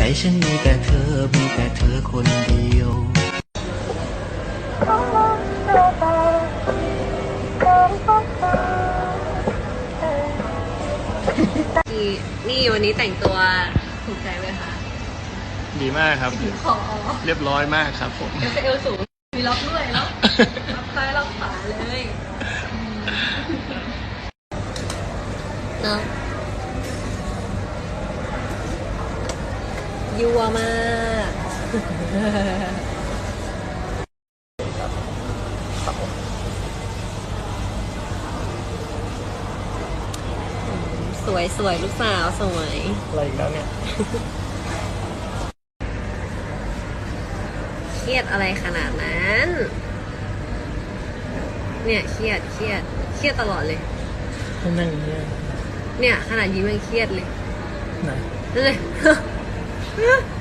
ฉันมีแต่เธอมีแต่เธอคนเดียวนี่วันนี้แต่งตัวถูกใจไหมคะดีมากครับขอเรียบร้อยมากครับผมเอวสูงมีล็อกด้วยเนาะล็อกซ้ายล็อกขวาเลยเนาะยัวมากสวยสวยลูกสาวสวยอะไรอีกแล้วเนี่ยเครียดอะไรขนาดนั้น เนี่ยเครียดตลอดเลยนั่งเนี่ยเนี่ยขนาดยิ้มยังเครียดเลยไหนนั่นเลย